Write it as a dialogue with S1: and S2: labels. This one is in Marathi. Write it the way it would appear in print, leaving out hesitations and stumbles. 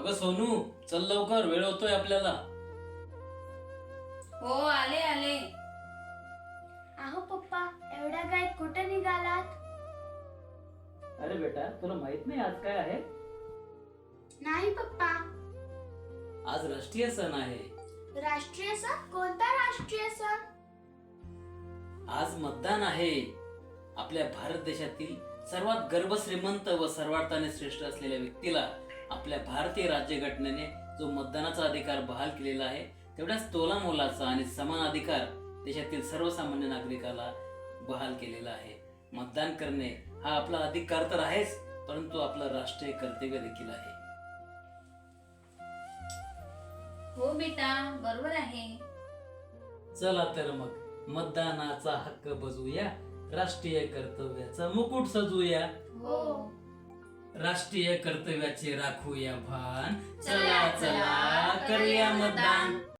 S1: अगं सोनू, चल लवकर, वेळ होतोय आपल्याला.
S2: हो, आले आले.
S3: अहो पप्पा, एवढ्या गाय कुठे निघालात?
S1: अरे बेटा, तुला माहित नाही आज काय आहे?
S3: नाही पप्पा.
S1: आज राष्ट्रीय सण आहे.
S3: राष्ट्रीय सण? कोणता राष्ट्रीय सण?
S1: आज मतदान आहे. आपल्या भारत देशातील सर्वात गर्भश्रीमंत व सर्वार्थाने श्रेष्ठ असलेल्या व्यक्तीला आपल्या भारतीय राज्यघटनेने जो मतदानाचा अधिकार बहाल केलेला आहे, तेवढ्याच तोला मोलाचा आणि समान अधिकार देशातील सर्वसामान्य नागरिकाला बहाल केलेला आहे. मतदान करणे हा आपला अधिकार तर आहेच, परंतु आपलं राष्ट्रीय कर्तव्य देखील आहे.
S2: हो बेटा, बरोबर आहे.
S1: चला तर मग मतदानाचा हक्क बजवूया, राष्ट्रीय कर्तव्याचा मुकुट सजवूया.
S2: हो.
S1: राष्ट्रीय कर्तव्याचे राखूया भान. चला चला करूया मतदान.